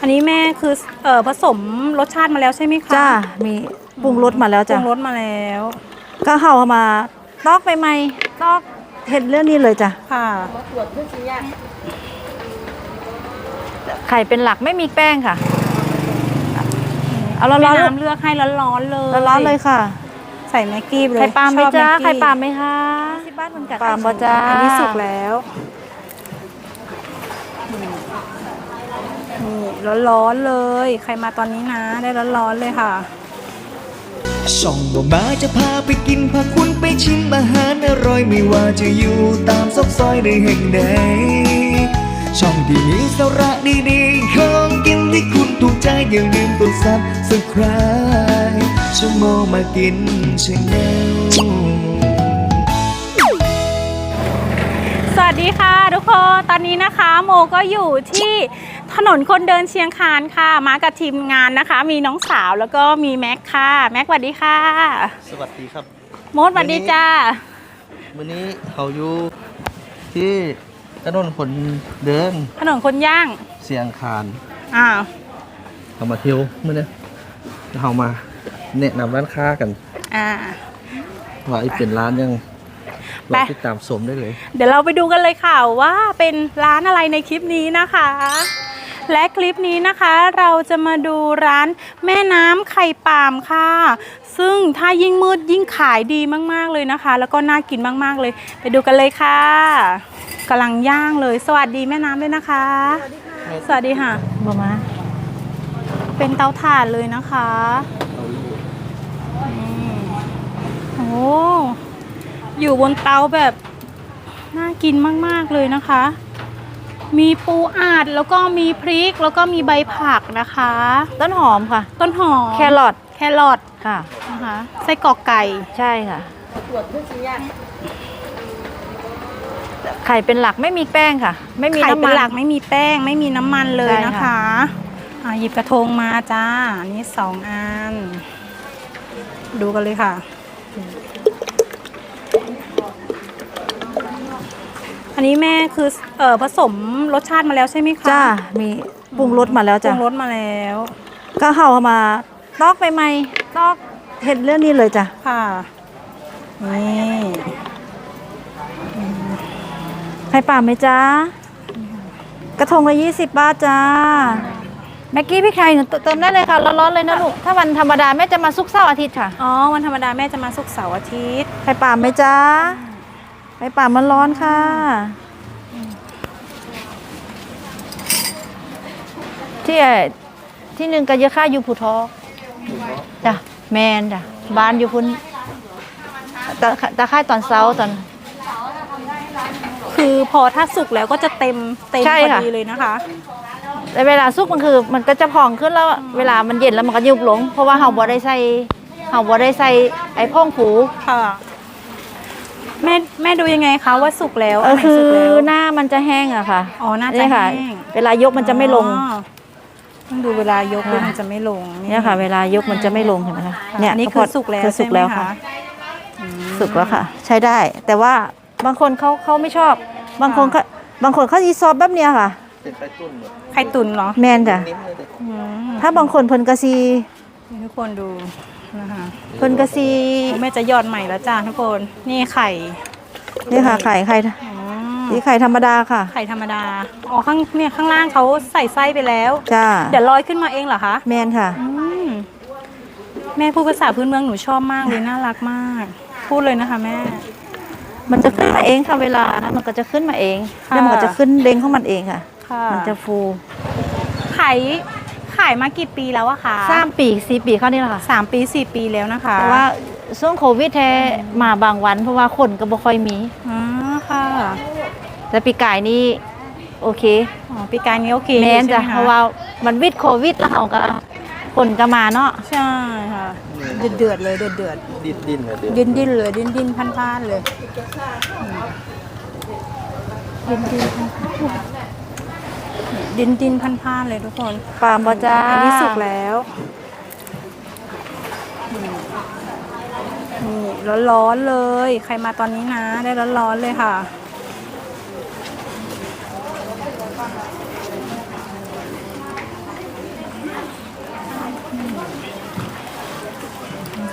นนี้แม่คือผสมรสชาติมาแล้วใช่ไหมคะจ้ามีปรุงรสมาแล้วปรุจ้ะงรสมาแล้วก็เข้ามาตอกไปไหมตอกเห็ดเรื่องนี้เลยจ้ะค่ะไข่เป็นหลักไม่มีแป้งค่ะเอาร้อนๆน้ำเลือกให้ร้อนๆเลยร้อนเลยค่ะใส่แม็กกี้เลยไข่ปลาไหมจ้าไข่ปลาไหมคะที่บ้านมันกัดปลาบ่จ้าอันนี้สุกแล้วนี่ร้อนๆเลยใครมาตอนนี้นะได้ร้อนๆเลยค่ะช่องบ่มาจะพาไปกินพาคุณไปชิมอาหารอร่อยไม่ว่าจะอยู่ตามซอกซอยในแห่งใดช่องที่มีสาระดีๆของกินที่คุณถูกใจอย่าลืมกดซับสไครบ์ชั่วโมงมากินชาแนลสวัสดีค่ะทุกคนตอนนี้นะคะโมก็อยู่ที่ถนนคนเดินเชียงคานค่ะมากับทีมงานนะคะมีน้องสาวแล้วก็มีแม็กค่ะแม็กสวัสดีค่ะสวัสดีครับโมดสวัสดีจ้าวันนี้เขาอยู่ที่ถนนคนเดินถนนคนย่างเสียงคานเขามาเที่ยวเมื่อนี้เขามาแนะนำร้านค้ากันว่าอีกเป็นร้านยังเราติดตามชมได้เลยเดี๋ยวเราไปดูกันเลยค่ะว่าเป็นร้านอะไรในคลิปนี้นะคะและคลิปนี้นะคะเราจะมาดูร้านแม่น้ำไข่ปาล์มค่ะซึ่งถ้ายิ่งมืดยิ่งขายดีมากๆเลยนะคะแล้วก็น่ากินมากๆเลยไปดูกันเลยค่ะกำลังย่างเลยสวัสดีแม่น้ำด้วยนะคะสวัสดีค่ะบ่มาเป็นเตาถ่านเลยนะคะโอ้อยู่บนเตาแบบน่ากินมากๆเลยนะคะมีปูอัดแล้วก็มีพริกแล้วก็มีใบผักนะคะต้นหอมค่ะต้นหอมแครอทค่ะนะคะไส้กรอกไก่ใช่ค่ะไข่เป็นหลักไม่มีแป้งค่ะไม่มีไข่น้ำเป็มันหลักไม่มีแป้งไม่มีน้ำมันเลยนะคะหยิบกระทงมาจ้าอันนี้2 อันดูกันเลยค่ะอันนี้แม่คือผสมรสชาติมาแล้วใช่ไหมคะจ้ามีปรุงรสมาแล้วจ้ะปรุงรสมาแล้วก็เข้ามาตอกไปไหมตอกเห็ดเรื่องนี้เลยจ้ะค่ะนี่ไข่ปลาไหมจ้ากระทงละ20 บาทจ้าแม็กกี้พี่ไข่หนูเติมได้เลยค่ะร้อนๆเลยนะลูกถ้าวันธรรมดาแม่จะมาศุกร์เสาร์อาทิตย์ค่ะอ๋อวันธรรมดาแม่จะมาศุกร์เสาร์อาทิตย์ไข่ปลาไหมจ้าไข่ปลามันร้อนค่ะที่หนึ่งก็เยอะค่าอยู่ผู้ท้อจ้ะแมนจ้ะบ้านอยู่พุ่นตะไคร่ตอนเช้าตอนคือพอถ้าสุกแล้วก็จะเต็มพอดีเลยนะคะแต่เวลาสุกมันก็จะพองขึ้นแล้วเวลามันเย็นแล้วมันก็ยุบลงเพราะว่าเราบ่ได้ใส่ไอ้พ่องผูค่ะแม่ดูยังไงคะว่าสุกแล้วคือหน้ามันจะแห้งอะค่ะอ๋อหน้าจะแห้งเวลายกมันจะไม่ลงต้องดูเวลายกด้วยมันจะไม่ลงเนี่ยค่ะเวลายกมันจะไม่ลงเห็นไหมคะเนี่ยนี่คือสุกแล้วสุกแล้วค่ะสุกแล้วค่ะใช้ได้แต่ว่าบางคนเขาไม่ชอบบางคนเขาอีซอฟแบบเนี้ยค่ะไข่ตุ๋นเหรอแมนจ้ะถ้าบางคนเพิ่นกะซีทุกคนดูนะคะเพิ่นกะซีแม่จะยอดใหม่แล้วจ้าทุกคนนี่ไข่นี่ค่ะไข่นี่ไข่ธรรมดาค่ะไข่ธรรมดาอ๋อข้างล่างเขาใส่ไส้ไปแล้วจ้าเดี๋ยวลอยขึ้นมาเองเหรอคะแมนค่ะแม่พูดภาษาพื้นเมืองหนูชอบมากเลยน่ารักมากพูดเลยนะคะแม่มันจะขึ้นมาเองค่ะเวลานะมันก็จะขึ้นมาเองแล้วมันก็จะขึ้นเด้งของมันเองค่ะมันจะฟูขายมากี่ปีแล้วอะคะ 3 ปี4 ปีเข้านี่แหละค่ะ 3 ปี4 ปีแล้วนะคะแต่ว่าช่วงโควิดแท้มาบางวันเพราะว่าคนก็บ่ค่อยมีค่ะแต่ปีกายนี่โอเคปีกายนี้โอเคแม่นจ้ะเพราะว่ามันวิดโควิดแล้วเขาก็คนก็มาเนาะใช่ค่ะเดือดเลยเดือดดิ้นเลยดิ้นพันเลยดิ้นพันเลยทุกคนปลาบ่จ้าอันนี้สุกแล้วนี่ร้อนๆเลยใครมาตอนนี้นะได้ร้อนๆเลยค่ะ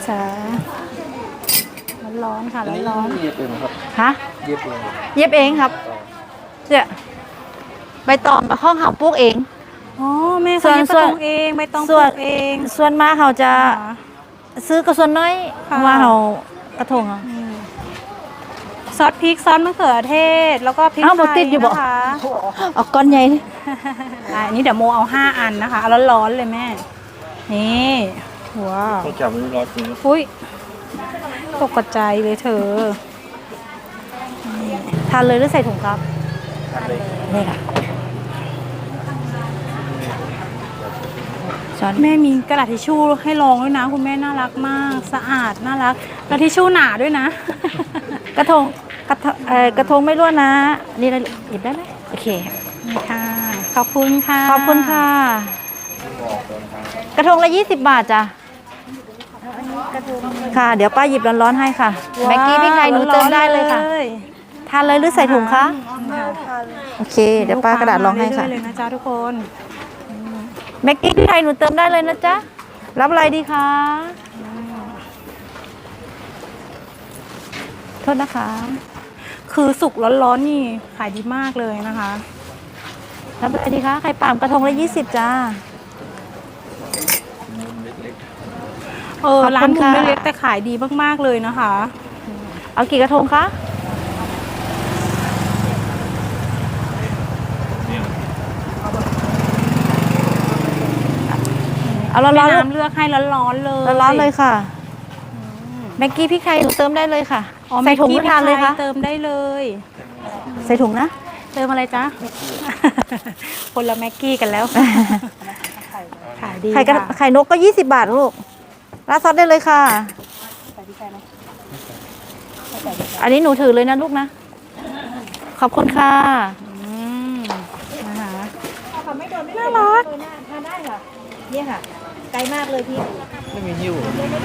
จ๊ะร้อนๆค่ะร้อนเย็บเองครับฮะเย็บเองเย็บเองครับเนี่ยใบตองกับห้องเขาปลูกเองๆอ๋อแม่เขาเย็บกระทงเองใบตองปส่ลูวนกเองส่วนมากเขาจะค่ะซื้อกระส่วนน้อยค่ะว่าเขากระทงอะซอสพริกซอสมะเขือเทศ แล้วก็พริกอ้าวไทบ่ติดยอยู่บ่นะคะเอาก้อนใหญ่นี่อันนี้เดี๋ยวโมเอา5 อันนะคะเอาร้อนๆเลยแม่ นี่ว้าวต้องจับมันร้อนจริงอุ้ยตกกระจายเลยเธอทานเลยหรือใส่ถุงครับนี่ค่ะช้อนแม่มีกระดาษทิชชู่ให้ลองด้วยนะ คุณแม่น่ารักมากสะอาดน่ารักแล้วทิชชู่หนาด้วยนะกระทงกระทงไม่ร่วนนะ นี่เลยหยิบได้ไหมโอเคนี่ค่ะ ขอบคุณค่ะขอบคุณค่ะ กระทงละ20 บาทจ้ะค่ะ เดี๋ยวป้าหยิบร้อนๆให้ค่ะว้าวแม็กกี้พี่ไข่หนูเติมได้เลยค่ะ ทานเลยหรือใส่ถุงคะ โอเค เดี๋ยวป้ากระดาษรองให้ค่ะเรื่อยๆเลยนะจ๊ะทุกคนแม็กกี้พี่ไข่หนูเติมได้เลยนะจ๊ะ รับอะไรดีคะโทษนะคะคือสุกร้อนๆนี่ขายดีมากเลยนะคะรับอะไรดีคะไข่ป่ามกระทงละ20จ้าเออขอบคุณร้านมุมค่ะเล็กๆแต่ขายดีมากๆเลยนะคะเอากี่กระทงคะเอาร้แม่อนๆน้ำเลือกให้ร้อนๆเลยร้อนๆเลยค่ะแม็กกี้พี่ไข่หนูเติมได้เลยค่ะอ๋อใส่ถุงแม็ไม่กกี้ทานเลยคะเติมได้เลยใส่ถุงนะเติมอะไรจ๊ะ คนละแม็กกี้กันแล้ว ขายดีไข่กระค่ะไข่นกก็20 บาทลูกราดซอสได้เลยค่ะ อันนี้หนูถือเลยนะลูกนะ ขอบคุณค่ะอืมนะคะน่ารักทานได้ค่ะเนี่ยค่ะ ไกลมากเลยพี่ไม่มีหิ้ว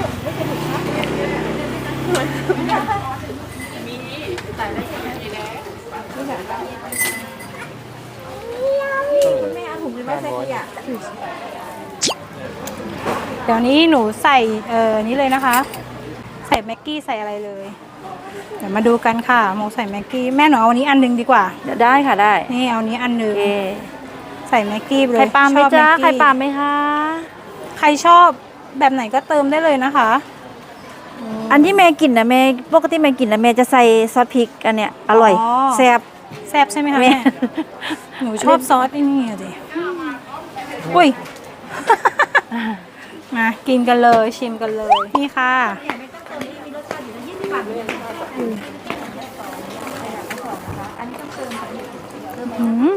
เดี๋ยวนี้หนูใส่นี้เลยนะคะ ใส่แม็กกี้ใส่อะไรเลย เดี๋ยวมาดูกันค่ะโมใส่แม็กกี้แม่หนูเอาอันนี้อันหนึงดีกว่าเดี๋ยวได้ค่ะได้นี่เอานี้อันหนึโอง เคใส่แม็กกี้ไปเลยไข่ปลาไหมชอบจ้าแกกี้ไข่ปลาไหมคะใครชอบแบบไหนก็เติมได้เลยนะคะอันที่แม่กินนะแม่ปกติแม่กินนะแม่จะใส่ซอสพริกอันเนี้ยอร่อยแซ่บแซ่บใช่ไหมคะแม่แม่ หนูชอบซอสไอ้นี่อะดิอุ้ย มากินกันเลยชิมกันเลย นี่ค่ะอืม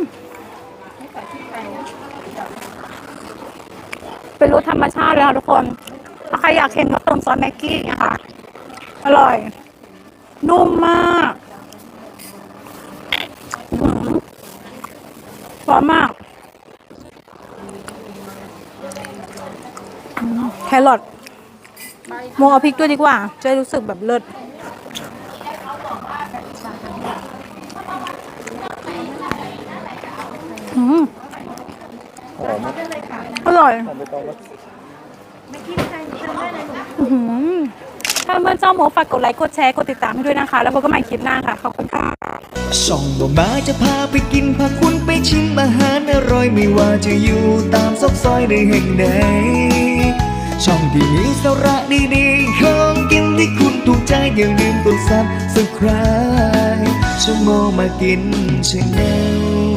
เป็นรสธรรมชาติเลยค่ะทุกคน ถ้าใครอยากเห็นก็เติมซอสแม็กกี้นะคะ อร่อย นุ่มมากหวานมากแครอทโมเอาพริกด้วยดีกว่า จะได้รู้สึกแบบเลิศอืมหอมอร่อยหอมไม่ต้องว่าอื้อหือถ้าเพื่อนเจ้าโมฝากกดไลค์กดแชร์กดติดตามให้ด้วยนะคะ แล้วพบกันใหม่คลิปหน้าค่ะ ขอบคุณค่ะช่องบ่มาจะพาไปกินพาคุณไปชิมอาหารอร่อยไม่ว่าจะอยู่ตามซอกซอยในแห่งใดช่องที่มีสาระดีๆของกินที่คุณถูกใจอย่าลืมกดซับสไครต์ช่องโมมากินชาแนล